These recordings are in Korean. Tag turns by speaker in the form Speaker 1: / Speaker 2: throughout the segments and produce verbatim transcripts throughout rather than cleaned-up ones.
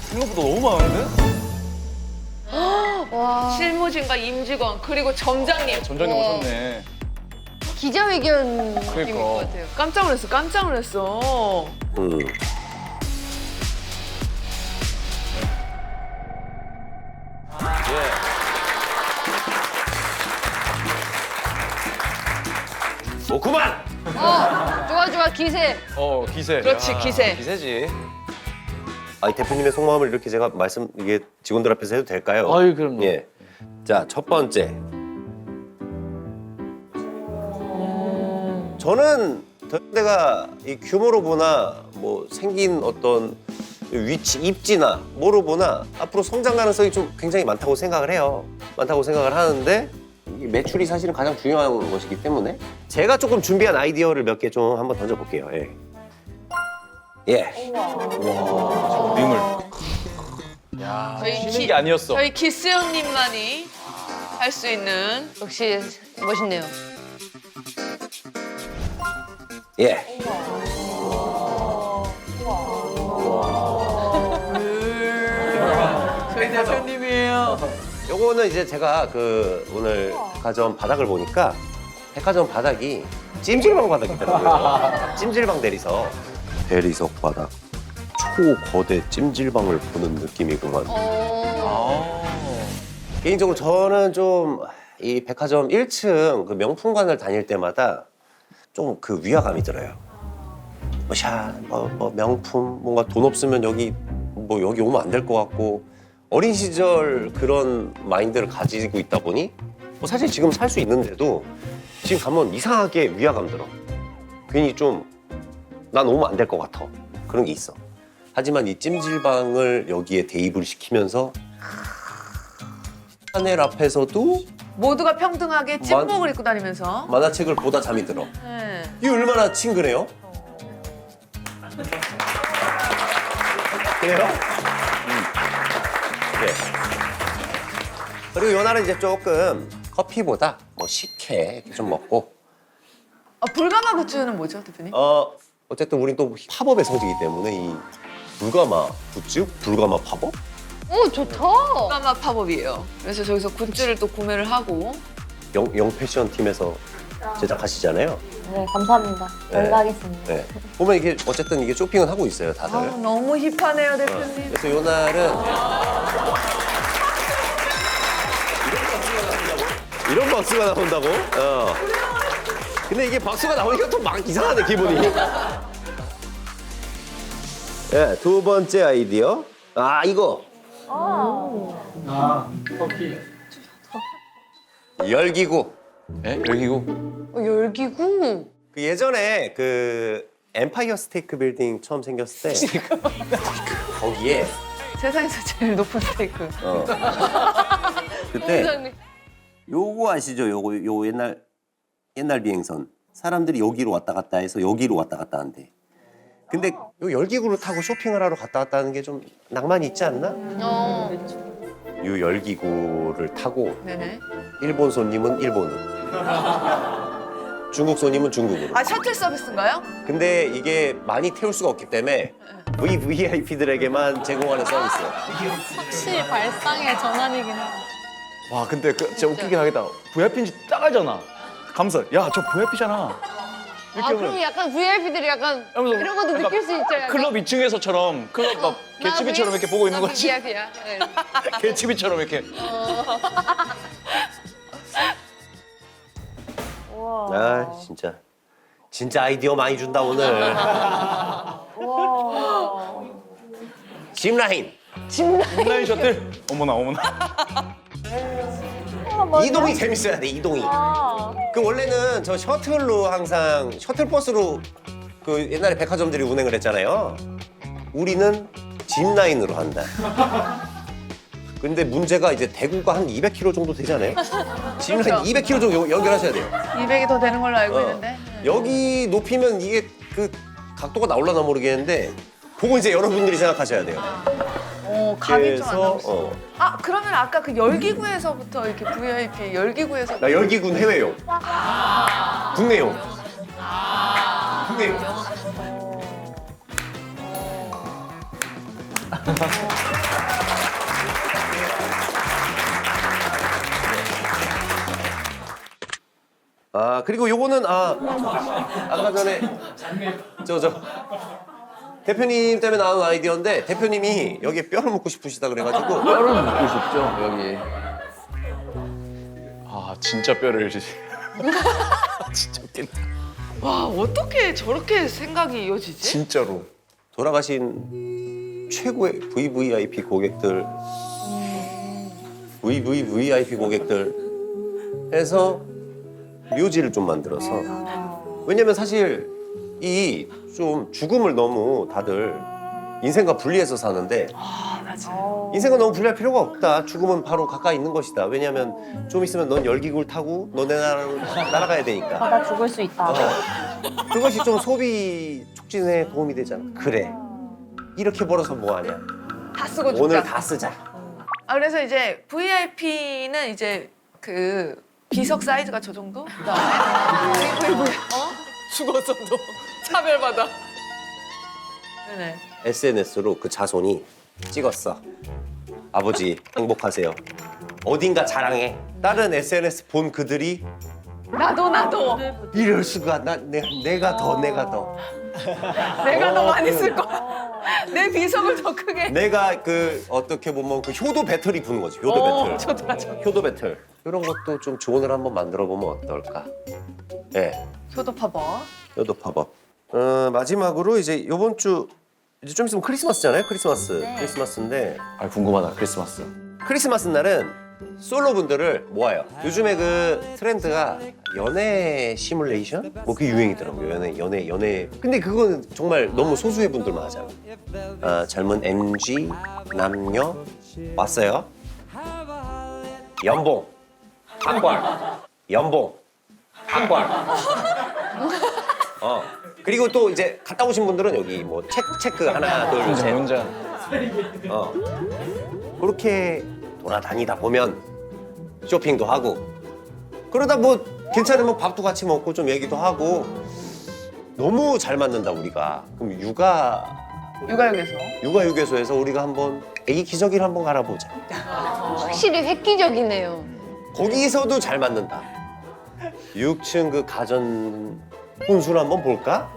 Speaker 1: 생각보다 너무 많은데?
Speaker 2: 와.
Speaker 3: 실무진과 임직원 그리고 점장님.
Speaker 1: 점장님
Speaker 2: 와.
Speaker 1: 오셨네.
Speaker 2: 기자회견
Speaker 3: 느낌일 것
Speaker 1: 그러니까.
Speaker 3: 같아요. 깜짝 놀랐어. 깜짝 놀랐어.
Speaker 4: 음. 예. 뭐 그만!
Speaker 2: 어, 좋아 좋아 기세.
Speaker 1: 어 기세.
Speaker 3: 그렇지, 기세.
Speaker 1: 기세지.
Speaker 4: 아, 이 대표님의 속마음을 이렇게 제가 말씀 이게 직원들 앞에서 해도 될까요?
Speaker 1: 아유 그럼요.
Speaker 4: 예. 자, 첫 번째. 저는 내가 이 규모로 보나 뭐 생긴 어떤 위치, 입지나 뭐로 보나 앞으로 성장 가능성이 좀 굉장히 많다고 생각을 해요. 많다고 생각을 하는데 이 매출이 사실은 가장 중요한 것이기 때문에 제가 조금 준비한 아이디어를 몇 개 좀 한번 던져볼게요. 예. 예.
Speaker 1: 림을. 야
Speaker 3: 저희
Speaker 1: 쉬는
Speaker 3: 기-
Speaker 1: 게 아니었어.
Speaker 3: 저희 기스 형님만이 할 수 있는.
Speaker 2: 역시 멋있네요.
Speaker 4: 예.
Speaker 3: 저희 대표님이에요.
Speaker 4: 요거는 이제 제가 그 오늘 백화점 바닥을 보니까 백화점 바닥이 찜질방 바닥이더라고요. 찜질방 대리석. 대리석 바닥. 초거대 찜질방을 보는 느낌이구만.
Speaker 2: 어.
Speaker 1: 아.
Speaker 4: 개인적으로 저는 좀 이 백화점 일 층 그 명품관을 다닐 때마다 좀 그 위화감이 들어요. 뭐 샤, 뭐, 뭐 명품, 뭔가 돈 없으면 여기 뭐 여기 오면 안 될 것 같고 어린 시절 그런 마인드를 가지고 있다 보니 뭐 사실 지금 살 수 있는데도 지금 가면 이상하게 위화감 들어. 괜히 좀 난 오면 안 될 것 같아. 그런 게 있어. 하지만 이 찜질방을 여기에 대입을 시키면서 하늘 앞에서도
Speaker 3: 모두가 평등하게 찐복을 입고 다니면서.
Speaker 4: 만화책을 보다 잠이 들어.
Speaker 3: 네.
Speaker 4: 이게 얼마나 친근해요? 그래요? 음. 네. 그리고 요날은 이제 조금 커피보다 뭐 식혜 이렇게 좀 먹고
Speaker 3: 아, 불가마 굿즈는 뭐죠, 대표님?
Speaker 4: 어 어쨌든 우린 또 팝업의 성지이기 때문에 이 불가마 굿즈? 불가마 팝업?
Speaker 2: 오 좋다.
Speaker 3: 불가마 팝업이에요. 그래서 저기서 굿즈를 또 구매를 하고.
Speaker 4: 영, 영 패션 팀에서 제작하시잖아요.
Speaker 5: 네, 감사합니다.
Speaker 4: 네.
Speaker 5: 연락하겠습니다.
Speaker 4: 네. 보면 이게 어쨌든 이게 쇼핑은 하고 있어요, 다들.
Speaker 3: 아, 너무 힙하네요, 대표님.
Speaker 4: 그래서 요 날은 이런 박수가 나온다고? 어. 근데 이게 박수가 나오니까 또 막 이상하네, 기분이. 네, 두 번째 아이디어. 아, 이거.
Speaker 1: 아 커피.
Speaker 4: 열기구.
Speaker 1: 예? 열기구.
Speaker 2: 어, 열기구.
Speaker 4: 그 예전에 그 엠파이어 스테이크 빌딩 처음 생겼을 때 거기에
Speaker 3: 세상에서 제일 높은 스테이크.
Speaker 4: 어. 그때
Speaker 2: 공장님.
Speaker 4: 요거 아시죠? 요거 요 옛날 옛날 비행선 사람들이 여기로 왔다 갔다 해서 여기로 왔다 갔다 한대. 근데 요 열기구를 타고 쇼핑을 하러 갔다 왔다 하는 게 좀 낭만이 있지 않나?
Speaker 2: 어.
Speaker 4: 요 열기구를 타고
Speaker 3: 네네.
Speaker 4: 일본 손님은 일본으로, 중국 손님은 중국으로.
Speaker 3: 아, 셔틀 서비스인가요?
Speaker 4: 근데 이게 많이 태울 수가 없기 때문에 브이아이피들에게만 제공하는 서비스예요.
Speaker 5: 혹시 발상의 전환이긴 해.
Speaker 1: 와 근데 그 진짜 웃기긴 하겠다. 브이아이피인지 딱 알잖아. 감사. 야저 브이아이피잖아.
Speaker 2: 아 그럼 약간 브이아이피들이 약간
Speaker 1: 하면서
Speaker 2: 이런 것도
Speaker 1: 약간
Speaker 2: 느낄 수 있죠. 약간.
Speaker 1: 클럽 이 층에서처럼 클럽 막 개츠비처럼 이렇게 보고 있는
Speaker 2: 나
Speaker 1: 거지.
Speaker 2: 브이아이피야. 네.
Speaker 1: 개츠비처럼 이렇게.
Speaker 5: 우와.
Speaker 4: 아 진짜 진짜 아이디어 많이 준다 오늘.
Speaker 5: 우와.
Speaker 4: 짚라인.
Speaker 1: 인라인 셔틀. 어머나 어머나.
Speaker 5: 우와, 맞아.
Speaker 4: 이동이 재밌어야 돼 이동이.
Speaker 5: 아.
Speaker 4: 그 원래는 저 셔틀로 항상 셔틀버스로 그 옛날에 백화점들이 운행을 했잖아요. 우리는 짚라인으로 한다. 근데 문제가 이제 대구가 한 이백 킬로미터 정도 되잖아요. 짚라인
Speaker 3: 그렇죠.
Speaker 4: 이백 킬로미터 정도 여- 연결하셔야 돼요.
Speaker 3: 이백이 더 되는 걸로 알고
Speaker 4: 어.
Speaker 3: 있는데.
Speaker 4: 여기 높이면 이게 그 각도가 나올라나 모르겠는데 그거 이제 여러분들이 생각하셔야 돼요.
Speaker 3: 어, 감이 좀 안
Speaker 4: 그래서
Speaker 3: 나올 수.
Speaker 4: 어,
Speaker 3: 아, 그러면 아까 그 열기구에서부터 이렇게 브이아이피 열기구에서.
Speaker 4: 나 열기군 해외용, 국내용, 국내용. 아 그리고 요거는 아 아까 전에 저 저 대표님 때문에 나온 아이디어인데 대표님이 여기에 뼈를 묻고 싶으시다 그래가지고
Speaker 1: 뼈를 묻고 싶죠 여기. 아 진짜 뼈를 진짜 웃긴다.
Speaker 3: 와 어떻게 저렇게 생각이 이어지지?
Speaker 1: 진짜로.
Speaker 4: 돌아가신 최고의 브이브이아이피 고객들 브이브이브이아이피 고객들 해서 묘지를 좀 만들어서 왜냐면 사실 이 좀 죽음을 너무 다들 인생과 분리해서 사는데
Speaker 3: 아 맞아.
Speaker 4: 인생과 너무 분리할 필요가 없다. 죽음은 바로 가까이 있는 것이다. 왜냐면 좀 있으면 넌 열기구를 타고 너네 나라로 날아가야 되니까.
Speaker 5: 아, 나 죽을 수 있다.
Speaker 4: 어. 그것이 좀 소비 촉진에 도움이 되잖아. 그래. 이렇게 벌어서 뭐하냐.
Speaker 3: 다 쓰고 죽자.
Speaker 4: 오늘 다 쓰자.
Speaker 3: 아 그래서 이제 브이아이피는 이제 그 비석 사이즈가 저 정도? 그다음에 브이브이 어? 죽었어도 차별받아. 네네.
Speaker 4: 에스엔에스로 그 자손이 찍었어. 아버지 행복하세요. 어딘가 자랑해. 다른 에스엔에스 본 그들이
Speaker 3: 나도 나도
Speaker 4: 이럴 수가. 나, 내, 내가 더 내가 더.
Speaker 3: 내가 더
Speaker 4: 어,
Speaker 3: 많이
Speaker 4: 그-
Speaker 3: 쓸 거야. 내 비석을 더 크게.
Speaker 4: 내가 그 어떻게 보면 그 효도 배틀이 부는 거지. 효도
Speaker 3: 어,
Speaker 4: 배틀.
Speaker 3: 좋다 좋다.
Speaker 4: 효도 배틀. 이런 것도 좀 조언을 한번 만들어 보면 어떨까? 예. 네.
Speaker 3: 효도 파버.
Speaker 4: 효도 팝업. 어, 마지막으로 이제 이번 주 이제 좀 있으면 크리스마스잖아요. 크리스마스.
Speaker 5: 네.
Speaker 4: 크리스마스인데
Speaker 1: 아 궁금하다 크리스마스.
Speaker 4: 크리스마스 날은 솔로 분들을 모아요. 요즘에 그 트렌드가 연애 시뮬레이션? 뭐 그게 유행이더라고요. 연애, 연애, 연애. 근데 그거는 정말 너무 소수의 분들만 하잖아. 아, 젊은 엠지 남녀 왔어요. 연봉 한 벌. 연봉 한 벌. 어. 그리고 또 이제 갔다 오신 분들은 여기 뭐 체크 체크 하나 둘
Speaker 1: 혼자
Speaker 4: 셋.
Speaker 1: 혼자.
Speaker 4: 어. 그렇게 돌아다니다 보면 쇼핑도 하고 그러다 뭐 괜찮으면 밥도 같이 먹고 좀 얘기도 하고 너무 잘 맞는다 우리가. 그럼 육아
Speaker 3: 육아역에서.
Speaker 4: 육아휴게소에서 우리가 한번 애기 기저귀를 한번 갈아보자.
Speaker 2: 확실히 획기적이네요.
Speaker 4: 거기서도 잘 맞는다. 육 층 그 가전 혼수를 한번 볼까?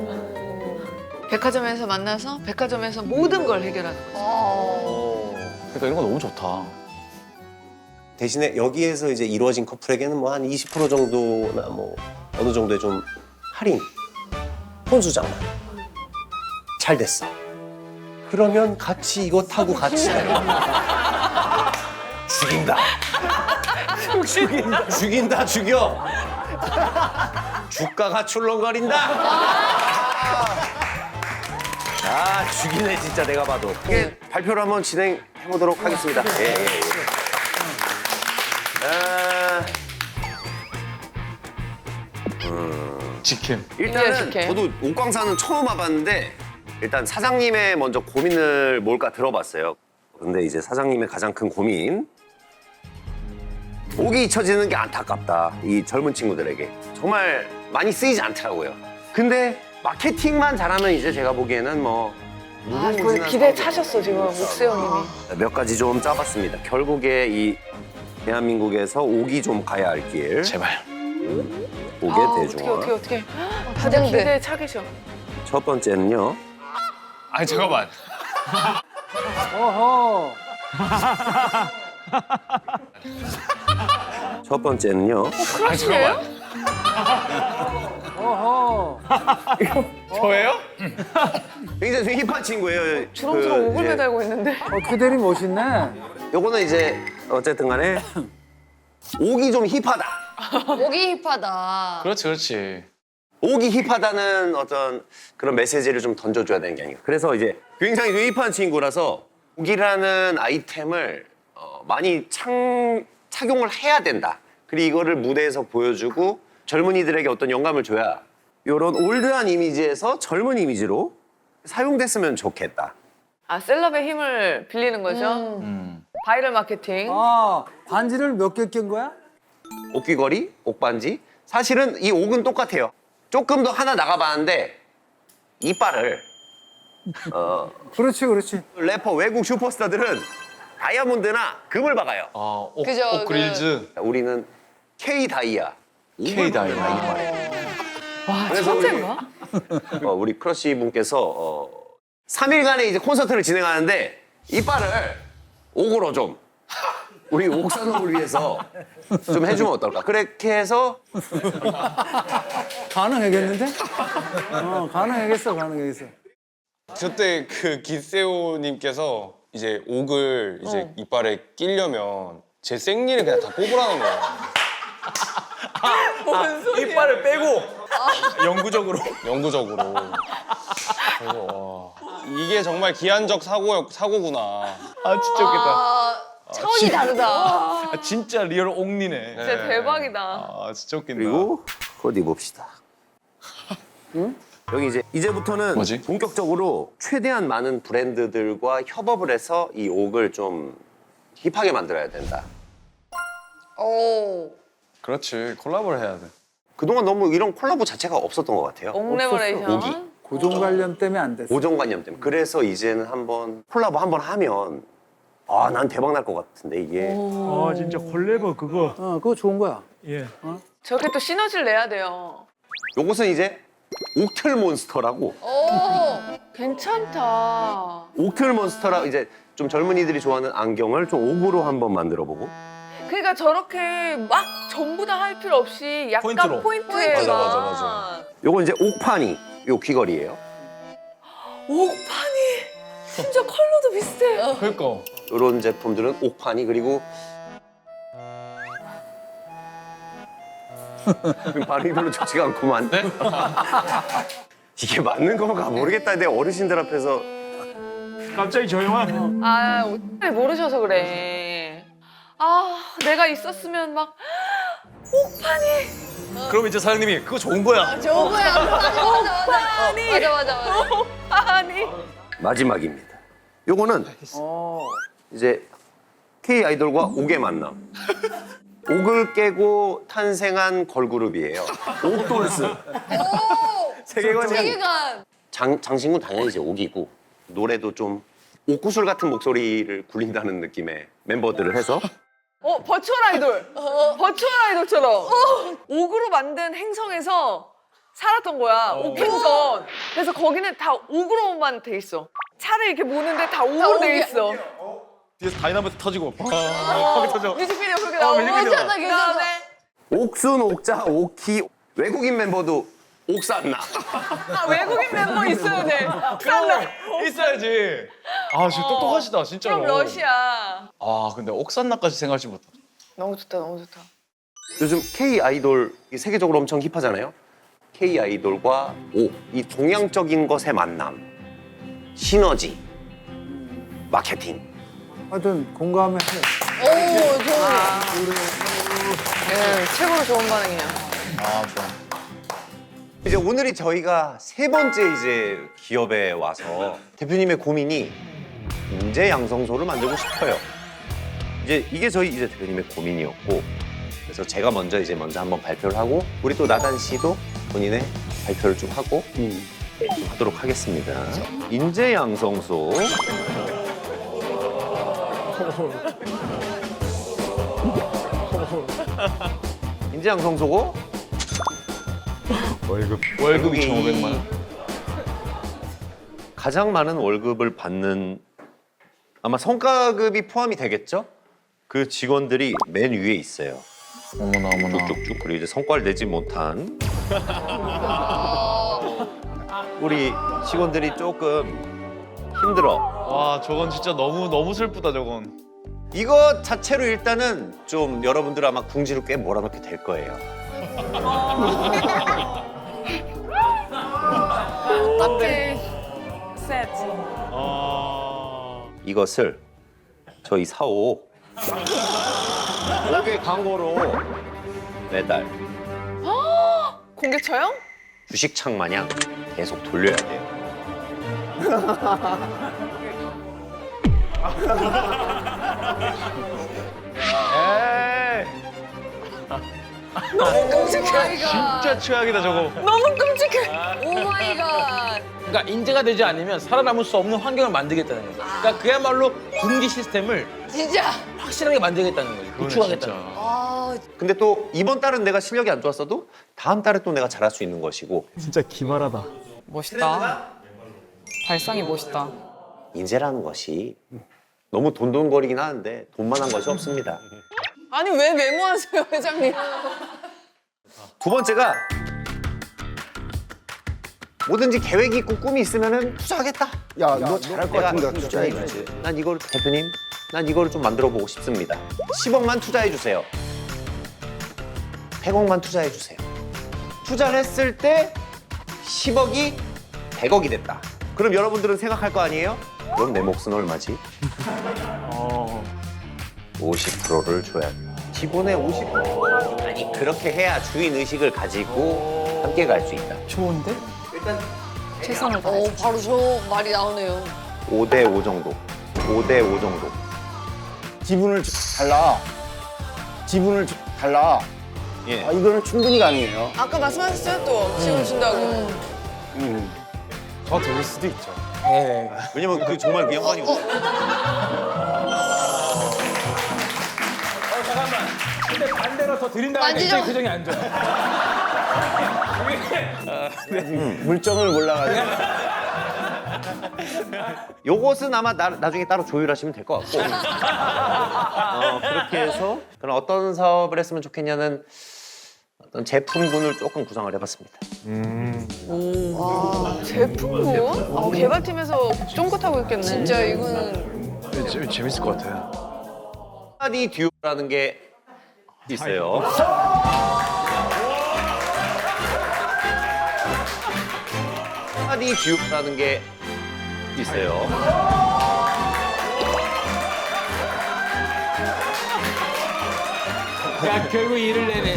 Speaker 3: 백화점에서 만나서 백화점에서 모든 걸 해결하는 거죠.
Speaker 2: 어.
Speaker 1: 그러니까 이런 거 너무 좋다.
Speaker 4: 대신에 여기에서 이제 이루어진 커플에게는 뭐 한 이십 퍼센트 정도나 뭐 어느 정도의 좀 할인, 혼수장만 잘 됐어. 그러면 같이 이거 타고 같이 다녀. 죽인다. 죽인다. 죽인다. 죽여. 주가가 출렁거린다. 아 죽이네 진짜 내가 봐도. 이게 발표를 한번 진행해 보도록 하겠습니다. 예, 예, 예. 아,
Speaker 1: 직캠.
Speaker 4: 일단은
Speaker 3: 직캠.
Speaker 4: 저도 옥광사는 처음 와봤는데 일단 사장님의 먼저 고민을 뭘까 들어봤어요. 근데 이제 사장님의 가장 큰 고민 옥이 잊혀지는 게 안타깝다. 이 젊은 친구들에게 정말 많이 쓰이지 않더라고요. 근데 마케팅만 잘하면 이제 제가 보기에는 뭐
Speaker 3: 아, 거의 기대에 차셨어 지금 옥세영님이.
Speaker 4: 몇 가지 좀 짜봤습니다. 결국에 이 대한민국에서 옥이 좀 가야 할 길.
Speaker 1: 제발.
Speaker 4: 옥의
Speaker 3: 아, 어떻게
Speaker 4: 대중화.
Speaker 3: 어떻게 어떻게. 다들
Speaker 2: 부장들.
Speaker 3: 기대에 차 계셔.
Speaker 4: 첫 번째는요.
Speaker 1: 아니 잠깐만.
Speaker 4: 첫 번째는요.
Speaker 1: 아니 잠깐만. 저예요?
Speaker 4: 굉장히 좀 힙한 친구예요.
Speaker 3: 주렁주렁
Speaker 4: 그,
Speaker 3: 옥을
Speaker 4: 예.
Speaker 3: 매달고 있는데.
Speaker 6: 어, 그대리 멋있네.
Speaker 4: 요거는 이제 어쨌든 간에 옥이 좀 힙하다.
Speaker 2: 목이 힙하다.
Speaker 1: 그렇지 그렇지.
Speaker 4: 옥이 힙하다는 어떤 그런 메시지를 좀 던져줘야 되는 게 아닌가. 그래서 이제 굉장히 좀 힙한 친구라서 옥이라는 아이템을 어, 많이 창, 착용을 해야 된다. 그리고 이거를 무대에서 보여주고 젊은이들에게 어떤 영감을 줘야 이런 올드한 이미지에서 젊은 이미지로 사용됐으면 좋겠다.
Speaker 3: 아 셀럽의 힘을 빌리는 거죠.
Speaker 1: 음.
Speaker 3: 바이럴 마케팅.
Speaker 6: 아, 반지를 몇 개 낀 거야?
Speaker 4: 옥귀걸이, 옥반지. 사실은 이 옥은 똑같아요. 조금 더 하나 나가봤는데 이빨을 어,
Speaker 6: 그렇지, 그렇지.
Speaker 4: 래퍼 외국 슈퍼스타들은 다이아몬드나 금을 박아요.
Speaker 1: 아, 옥,
Speaker 2: 그죠,
Speaker 1: 옥 그릴즈.
Speaker 4: 우리는 K 다이아.
Speaker 1: K 다이아.
Speaker 3: 와
Speaker 4: 그래서 우리-
Speaker 3: 천재인가?
Speaker 4: 어, 우리 크러쉬 분께서 어, 삼 일간의 이제 콘서트를 진행하는데 이빨을 옥으로 좀 우리 옥산옥을 위해서 좀 해주면 어떨까? 그렇게 해서
Speaker 6: 가능하겠는데? 어, 가능하겠어, 가능하겠어.
Speaker 7: 저때 그 기세오님께서 이제 옥을 이제 이빨에 끼려면 제 생리를 그냥 다 뽑으라는 거야.
Speaker 1: 이빨을 빼고 영구적으로.
Speaker 7: 영구적으로. 그래서 와, 이게 정말 기한적 사고 사고구나.
Speaker 1: 아 진짜 웃겠다.
Speaker 2: 아, 차원이 다르다.
Speaker 1: 아, 진짜 리얼 옥니네.
Speaker 3: 진짜 대박이다.
Speaker 1: 아 진짜 웃긴다.
Speaker 4: 그리고 어디 봅시다. 여기 이제 이제부터는
Speaker 1: 뭐지?
Speaker 4: 본격적으로 최대한 많은 브랜드들과 협업을 해서 이 옥을 좀 힙하게 만들어야 된다.
Speaker 2: 오.
Speaker 1: 그렇지 콜라보를 해야 돼.
Speaker 4: 그동안 너무 이런 콜라보 자체가 없었던 것 같아요.
Speaker 3: 옥레버레이션.
Speaker 4: 옥이.
Speaker 6: 고정관념 때문에 안 됐어.
Speaker 4: 고정관념 때문에. 그래서 이제는 한번 콜라보 한번 하면 아, 난 대박 날 것 같은데 이게.
Speaker 8: 아 진짜 콜레버 그거
Speaker 6: 어, 그거 좋은 거야.
Speaker 8: 예.
Speaker 3: 저렇게 또 시너지를 내야 돼요.
Speaker 4: 요것은 이제 옥틀 몬스터라고.
Speaker 2: 오.
Speaker 3: 괜찮다.
Speaker 4: 옥틀 몬스터라 이제 좀 젊은이들이 좋아하는 안경을 좀 옥으로 한번 만들어 보고.
Speaker 3: 그러니까 저렇게 막 전부 다 할 필요 없이 약간
Speaker 1: 포인트로.
Speaker 3: 포인트에
Speaker 7: 맞아, 맞아, 맞아.
Speaker 4: 요건 이제 옥파니 요 귀걸이에요.
Speaker 3: 옥판이 심지어 컬러도 비슷해.
Speaker 1: 그러니까.
Speaker 4: 요런 제품들은 옥파니 그리고 발음이 별로 좋지가 않구만. 이게 맞는 건가 모르겠다. 내 어르신들 앞에서
Speaker 8: 갑자기 조용한
Speaker 3: 아, 옥판이 모르셔서 그래. 아, 내가 있었으면 막 옥판이,
Speaker 1: 그럼 이제 사장님이 그거 좋은 거야.
Speaker 2: 좋은 거야. 맞아, 맞아, 맞아.
Speaker 3: 옥판이,
Speaker 2: 맞아, 맞아, 맞아.
Speaker 3: 옥판이.
Speaker 4: 마지막입니다. 요거는
Speaker 6: 어,
Speaker 4: 이제 K 아이돌과 옥의 만남. 옥을 깨고 탄생한 걸그룹이에요. 옥돌스.
Speaker 2: 오.
Speaker 1: 세계관이.
Speaker 2: 세계관.
Speaker 4: 장, 장신구 당연히 이제 옥이고 노래도 좀 옥구슬 같은 목소리를 굴린다는 느낌의 멤버들을 해서
Speaker 3: 어, 버추얼 아이돌. 버추얼 아이돌처럼. 옥으로 만든 행성에서 살았던 거야. 옥행성. 그래서 거기는 다 옥으로만 돼 있어. 차를 이렇게 모는데 다 옥으로 돼
Speaker 2: 옥이야.
Speaker 3: 있어.
Speaker 1: 뒤에서 다이나마이트 터지고. 아, 터져.
Speaker 3: 뮤직비디오 그렇게 나오고.
Speaker 1: 뮤직비디오.
Speaker 2: 괜찮다, 괜찮다.
Speaker 3: 그다음에
Speaker 4: 옥순, 옥자, 옥희 외국인 멤버도 옥산나.
Speaker 3: 아, 외국인 멤버 있어야 돼. 옥산나.
Speaker 1: 있어야지. 아 진짜 똑똑하시다 진짜로.
Speaker 3: 그럼 러시아.
Speaker 1: 아 근데 옥산나까지 생각하지 못했다.
Speaker 3: 너무 좋다, 너무 좋다.
Speaker 4: 요즘 K 아이돌 세계적으로 엄청 힙하잖아요. K 아이돌과 옥, 이 동양적인 것의 만남, 시너지, 마케팅.
Speaker 6: 하여튼 공감해.
Speaker 2: 오, 좋은 거.
Speaker 3: 네, 최고로 좋은 반응이에요.
Speaker 1: 아 좋아.
Speaker 4: 이제 오늘이 저희가 세 번째 이제 기업에 와서 대표님의 고민이 인재 양성소를 만들고 싶어요. 이제 이게 저희 이제 대표님의 고민이었고, 그래서 제가 먼저 이제 먼저 한번 발표를 하고 우리 또 나단 씨도 본인의 발표를 좀 하고 좀 하도록 하겠습니다. 인재 양성소. 인재 양성소고
Speaker 1: 월급 월급
Speaker 4: 외국인.
Speaker 1: 이천오백만 원.
Speaker 4: 가장 많은 월급을 받는 아마 성과급이 포함이 되겠죠? 그 직원들이 맨 위에 있어요.
Speaker 1: 어머나 어머나.
Speaker 4: 쭉쭉쭉. 그리고 이제 성과를 내지 못한 우리 직원들이 조금 힘들어.
Speaker 1: 와 저건 진짜 너무 너무 슬프다 저건.
Speaker 4: 이거 자체로 일단은 좀 여러분들 아마 궁지를 꽤 몰아넣게 될 거예요.
Speaker 3: 오케이. 세트.
Speaker 4: 이것을 저희 사옥 옥의 광고로 매달
Speaker 3: 공개 처형?
Speaker 4: 주식창 마냥 계속 돌려야 돼요.
Speaker 1: 에이.
Speaker 3: 너무 끔찍해.
Speaker 1: 진짜 최악이다 저거.
Speaker 3: 너무 끔찍해.
Speaker 2: 오 마이 갓.
Speaker 9: 그러니까 인재가 되지 않으면 살아남을 수 없는 환경을 만들겠다는 거죠. 그러니까 그야말로 군기 시스템을
Speaker 2: 진짜.
Speaker 9: 확실하게 만들겠다는 거죠. 구축하겠다는 거죠.
Speaker 2: 아,
Speaker 4: 근데 또 이번 달은 내가 실력이 안 좋았어도 다음 달에 또 내가 잘할 수 있는 것이고
Speaker 8: 진짜 기발하다.
Speaker 10: 멋있다. 발상이 멋있다.
Speaker 4: 인재라는 것이 너무 돈돈거리긴 하는데 돈만한 것이 없습니다.
Speaker 3: 아니 왜 메모하세요 회장님?
Speaker 4: 두 번째가 뭐든지 계획이 있고 꿈이 있으면은 투자하겠다.
Speaker 6: 야, 너 잘할 것 같은데 투자해
Speaker 4: 투자해
Speaker 6: 주지.
Speaker 4: 난 이걸 대표님, 난 이걸 좀 만들어 보고 싶습니다. 십억만 투자해 주세요. 백억만 투자해 주세요. 투자를 했을 때 십억이 백억이 됐다. 그럼 여러분들은 생각할 거 아니에요? 그럼 내 몫은 얼마지?
Speaker 8: 어.
Speaker 4: 오십 퍼센트를 줘야 돼. 기본의 오십 퍼센트. 아니 그렇게 해야 주인 의식을 가지고 함께 갈 수 있다.
Speaker 10: 좋은데? 최선을
Speaker 2: 어,
Speaker 10: 다해.
Speaker 2: 바로 저 말이 나오네요.
Speaker 4: 오 대 오 정도. 오 대 오 정도.
Speaker 6: 지분을 주- 달라. 지분을 주- 달라.
Speaker 4: 예.
Speaker 6: 아, 이거는 충분히 가능해요.
Speaker 3: 아까 말씀하셨어요 또 지원 준다고.
Speaker 6: 음.
Speaker 7: 더 드릴 수도 있죠.
Speaker 4: 왜냐면 그 정말 그 양반이
Speaker 9: 어, 잠깐만. 근데 반대로 더 드린다는
Speaker 2: 만지죠.
Speaker 9: 굉장히 표정이 안 좋아.
Speaker 6: 물정을 몰라가지고.
Speaker 4: 요것은 아마 나, 나중에 따로 조율하시면 될 것 같고 어, 그렇게 해서 그럼 어떤 사업을 했으면 좋겠냐는 어떤 제품군을 조금 구성을 해봤습니다.
Speaker 3: 제품군? 아, 개발팀에서 쫑긋하고 있겠네.
Speaker 2: 진짜 이거는
Speaker 1: 재- 재밌을 것 같아요.
Speaker 4: 한마디 듀오라는 게 있어요. 한마디 듀오라는 게 있어요.
Speaker 9: 야, 결국 일을 내네.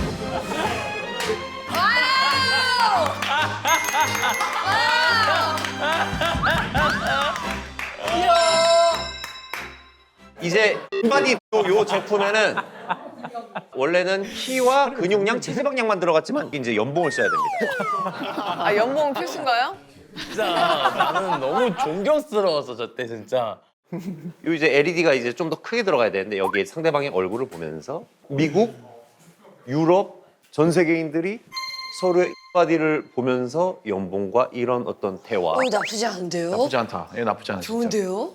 Speaker 4: 이제 한마디 듀오 요 제품에는 원래는 키와 근육량, 체지방량만 들어갔지만 이제 연봉을 써야 됩니다.
Speaker 3: 아 연봉 필수인가요?
Speaker 9: 진짜 나는 너무 존경스러웠어, 저때 진짜.
Speaker 4: 요 이제 엘이디가 이제 좀 더 크게 들어가야 되는데 여기에 상대방의 얼굴을 보면서 미국, 유럽 전 세계인들이 서로의 바디를 보면서 연봉과 이런 어떤 대화
Speaker 2: 어, 나쁘지 않은데요?
Speaker 1: 나쁘지 않다. 예, 나쁘지 않아. 진짜.
Speaker 2: 좋은데요?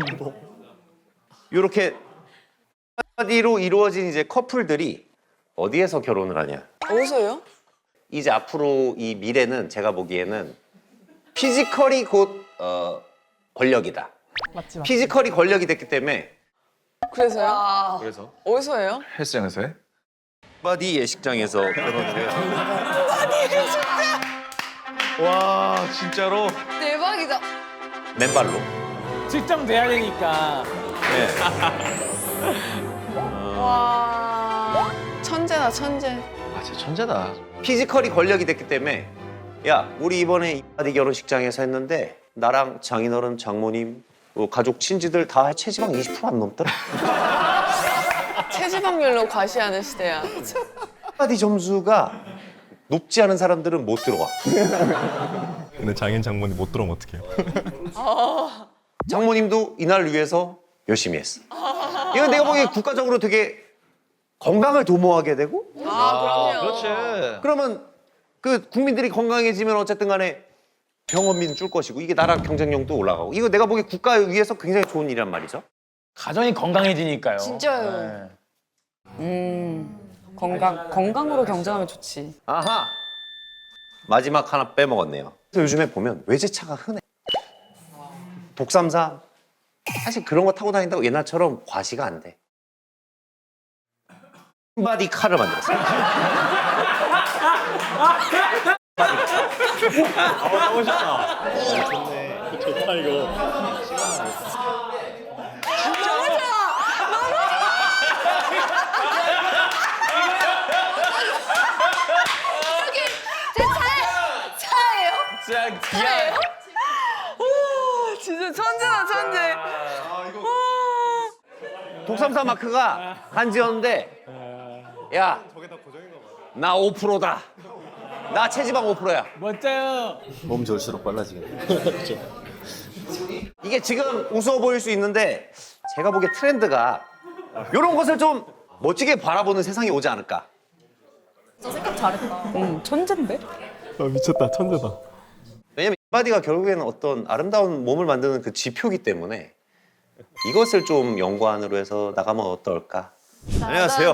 Speaker 4: 이렇게 바디로 이루어진 이제 커플들이 어디에서 결혼을 하냐?
Speaker 3: 어디서요?
Speaker 4: 이제 앞으로 이 미래는 제가 보기에는 피지컬이 곧 어, 권력이다.
Speaker 10: 맞지, 맞지.
Speaker 4: 피지컬이 권력이 됐기 때문에
Speaker 3: 그래서요?
Speaker 2: 아,
Speaker 1: 그래서
Speaker 3: 어디서 해요?
Speaker 1: 헬스장에서 해?
Speaker 4: 바디 예식장에서 결혼을 해요.
Speaker 1: 와 진짜로?
Speaker 2: 대박이다.
Speaker 4: 맨발로.
Speaker 9: 직장 돼야 되니까.
Speaker 4: 네.
Speaker 3: 와 천재다 천재.
Speaker 1: 아 진짜 천재다.
Speaker 4: 피지컬이 권력이 됐기 때문에 야 우리 이번에 이 바디 결혼식장에서 했는데 나랑 장인어른, 장모님, 뭐 가족 친지들 다 체지방 이십 퍼센트 안 넘더라.
Speaker 3: 체지방률로 과시하는 시대야.
Speaker 4: 바디 점수가 높지 않은 사람들은 못 들어와.
Speaker 11: 근데 장인 장모님 못 들어오면 어떡해요?
Speaker 4: 장모님도 이날 위해서 열심히 했어. 이거 내가 보기에 국가적으로 되게 건강을 도모하게 되고
Speaker 3: 아 그럼요.
Speaker 1: 그렇지.
Speaker 4: 그러면 그 국민들이 건강해지면 어쨌든 간에 병원비는 줄 것이고 이게 나라 경쟁력도 올라가고 이거 내가 보기에 국가 위해서 굉장히 좋은 일이란 말이죠.
Speaker 9: 가정이 건강해지니까요.
Speaker 2: 진짜요.
Speaker 9: 네.
Speaker 10: 음, 건강, 건강으로 경쟁하면 좋지.
Speaker 4: 아하. 마지막 하나 빼먹었네요. 그래서 요즘에 보면 외제차가 흔해. 독삼사 사실 그런 거 타고 다닌다고 옛날처럼 과시가 안 돼. 흰바디 칼을 만들었어요.
Speaker 8: 좋다 이거.
Speaker 2: 제 차에 차예요?
Speaker 9: 진짜 기아.
Speaker 3: 오 진짜 천재다 천재.
Speaker 4: 독삼사 마크가 한지였는데 야, 나 오 퍼센트다. 나 체지방 오 퍼센트야.
Speaker 9: 멋져요.
Speaker 1: 몸 좋을수록 빨라지겠네.
Speaker 4: 이게 지금 우스워 보일 수 있는데 제가 보기에 트렌드가 이런 것을 좀 멋지게 바라보는 세상이 오지 않을까.
Speaker 5: 저 생각 잘했다.
Speaker 10: 응, 천재인데?
Speaker 11: 아 미쳤다 천재다.
Speaker 4: 왜냐면 인바디가 결국에는 어떤 아름다운 몸을 만드는 그 지표기 때문에 이것을 좀 연관으로 해서 나가면 어떨까. 안녕하세요.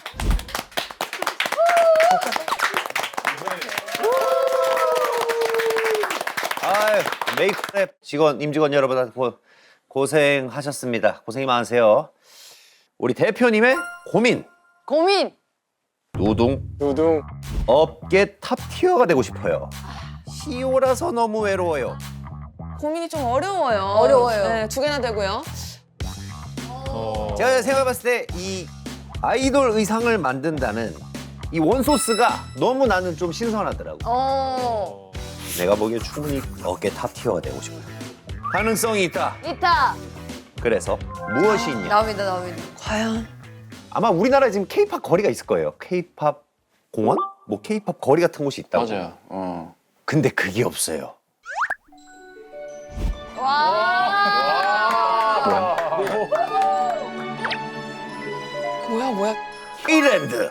Speaker 4: 아유, 메이크업 직원, 임직원 여러분 고, 고생하셨습니다. 고생이 많으세요. 우리 대표님의 고민.
Speaker 2: 고민.
Speaker 4: 노동.
Speaker 6: 노동.
Speaker 4: 업계 탑티어가 되고 싶어요. 시오라서 너무 외로워요.
Speaker 3: 고민이 좀 어려워요.
Speaker 2: 어려워요.
Speaker 3: 네, 두 개나 되고요.
Speaker 4: 제가 생각해봤을 때 이 아이돌 의상을 만든다는 이 원소스가 너무 나는 좀 신선하더라고.
Speaker 2: 어.
Speaker 4: 내가 보기에 충분히 업계 탑티어가 되고 싶어요. 가능성이 있다.
Speaker 2: 있다.
Speaker 4: 그래서 무엇이 있냐?
Speaker 2: 나옵니다, 나옵니다.
Speaker 3: 과연?
Speaker 4: 아마 우리나라에 지금 케이팝 거리가 있을 거예요. 케이팝 공원? 뭐 케이팝 거리 같은 곳이 있다고.
Speaker 6: 맞아요. 어.
Speaker 4: 근데 그게 없어요.
Speaker 3: 뭐야, 뭐야.
Speaker 4: K랜드.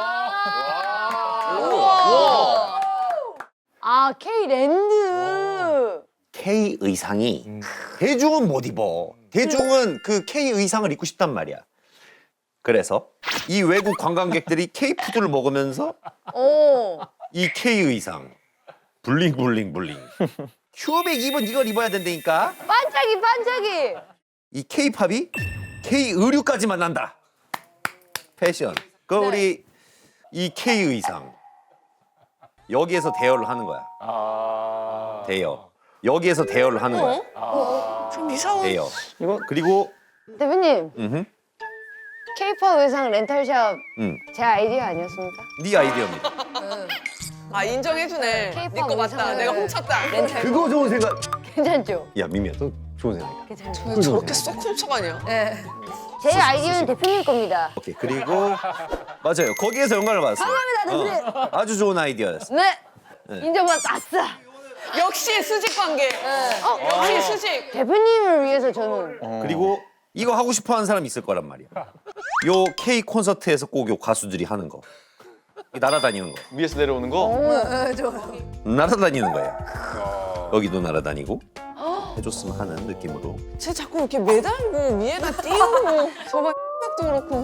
Speaker 2: 아, K랜드.
Speaker 4: K 의상이 대중은 못 입어. 대중은 그 K 의상을 입고 싶단 말이야. 그래서 이 외국 관광객들이 K 푸드를 먹으면서
Speaker 2: 오.
Speaker 4: 이 K 의상 블링 블링 블링 큐백 입은 이걸 입어야 된다니까.
Speaker 2: 반짝이, 반짝이.
Speaker 4: 이 K-팝이 K 의류까지 만난다. 패션. 그 우리 이 K 의상 여기에서 대여를 하는 거야.
Speaker 6: 아.
Speaker 4: 대여. 여기에서 대여를 하는 거야.
Speaker 3: 좀 이상한.
Speaker 4: 대여. 이거 그리고
Speaker 2: 대표님,
Speaker 4: 음,
Speaker 2: K-팝 의상 렌탈샵
Speaker 4: 음,
Speaker 2: 제 아이디어 아니었습니까?
Speaker 4: 네 아이디어입니다.
Speaker 3: 아, 인정해주네.
Speaker 2: K-팝
Speaker 3: 네 거 맞다.
Speaker 2: 의상을
Speaker 3: 내가 훔쳤다.
Speaker 2: 렌탈.
Speaker 4: 그거 좋은 생각.
Speaker 2: 괜찮죠?
Speaker 4: 야 미미야, 너 좋은 생각이야.
Speaker 2: 괜찮죠?
Speaker 3: 왜 저렇게 쏙 훔쳐가냐?
Speaker 2: 네. 제 아이디어는 대표님 겁니다.
Speaker 4: 오케이. 그리고 맞아요. 거기에서 영감을 받았어요.
Speaker 2: 감사합니다, 대표님.
Speaker 4: 어, 아주 좋은 아이디어였어.
Speaker 2: 네. 인정받았어. 아싸.
Speaker 3: 역시 수직 관계. 어, 역시 수직.
Speaker 2: 대표님을 위해서 저는.
Speaker 4: 그리고 이거 하고 싶어하는 사람 있을 거란 말이야. 요 K 콘서트에서 꼭 요 가수들이 하는 거. 이 날아다니는 거.
Speaker 1: 위에서 내려오는 거.
Speaker 2: 어, 좋아요.
Speaker 4: 날아다니는 거예요. 여기도 날아다니고 해줬으면 하는 느낌으로.
Speaker 3: 쟤 자꾸 이렇게 매달고 위에다 띄우고 저거 X도 그렇고.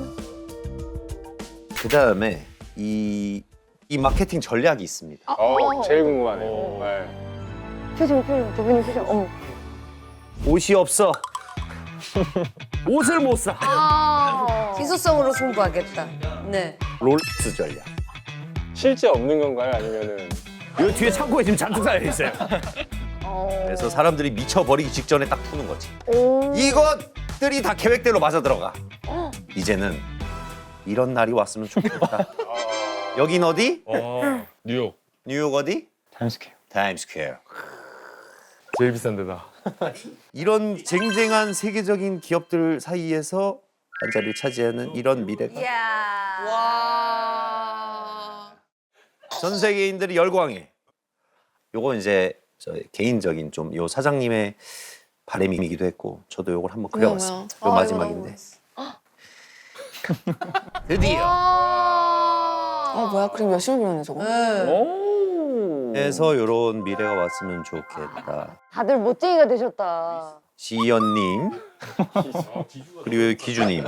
Speaker 4: 그 다음에 이, 이 마케팅 전략이 있습니다.
Speaker 6: 어, 제일 궁금하네요. 네.
Speaker 2: 표정, 표정. 대표님 표정. 어머.
Speaker 4: 옷이 없어. 옷을 못 사.
Speaker 2: 아. 희소성으로 승부하겠다. 네.
Speaker 4: 롤렉스 전략.
Speaker 6: 실제 없는 건가요? 아니면은
Speaker 4: 요 뒤에 창고에 지금 잔뜩 쌓여 있어요.
Speaker 2: 어.
Speaker 4: 그래서 사람들이 미쳐버리기 직전에 딱 푸는 거지.
Speaker 2: 오.
Speaker 4: 이것들이 다 계획대로 맞아 들어가. 이제는 이런 날이 왔으면 좋겠다. 여긴 어디?
Speaker 11: 어 뉴욕.
Speaker 4: 뉴욕 어디?
Speaker 6: 타임스퀘어.
Speaker 4: 타임스퀘어.
Speaker 11: 제일 비싼 데다.
Speaker 4: 이런 쟁쟁한 세계적인 기업들 사이에서 한 자리를 차지하는 이런 미래가
Speaker 2: 이야.
Speaker 3: 와.
Speaker 4: 전 세계인들이 열광해. 요거 이제 저 개인적인 좀 요 사장님의 바람이기도 했고 저도 요걸 한번 그려봤습니다. 요 마지막인데 드디어
Speaker 3: 아, 뭐야? 그림 열심히 그렸네, 저거.
Speaker 4: 해서 요런 미래가 왔으면 좋겠다.
Speaker 2: 다들 멋쟁이가 되셨다.
Speaker 4: 지연님 그리고 여기 기주님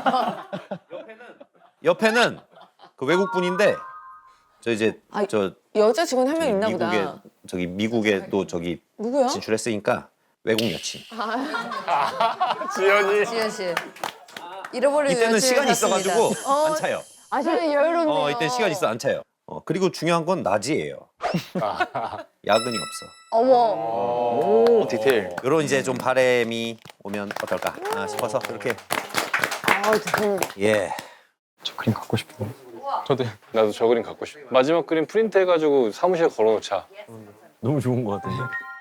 Speaker 4: 옆에는 그 외국 분인데 저 이제
Speaker 3: 아,
Speaker 4: 저
Speaker 3: 여자 직원 한 명 있나
Speaker 4: 미국에
Speaker 3: 보다.
Speaker 4: 저기 미국에 또 저기
Speaker 3: 누구야?
Speaker 4: 진출했으니까 외국 여친.
Speaker 6: 지연이.
Speaker 2: 지현 씨. 잃어버린
Speaker 4: 이때는
Speaker 2: 여친을
Speaker 4: 시간이
Speaker 2: 찾습니다.
Speaker 4: 있어가지고
Speaker 2: 어,
Speaker 4: 안 차요.
Speaker 2: 아, 저는 여유롭네요.
Speaker 4: 어 이때 시간 있어 안 차요. 어 그리고 중요한 건 낮이에요. 야근이 없어.
Speaker 2: 어머.
Speaker 1: 오 디테일.
Speaker 4: 이런 이제 좀 바람이 오면 어떨까 아, 싶어서 이렇게
Speaker 2: 아, 대표님.
Speaker 4: 예.
Speaker 6: 저 그림 갖고 싶어. 저도 나도 저 그림 갖고 싶어. 마지막 그림 프린트 해가지고 사무실에 걸어놓자.
Speaker 11: 너무 좋은 것 같은데.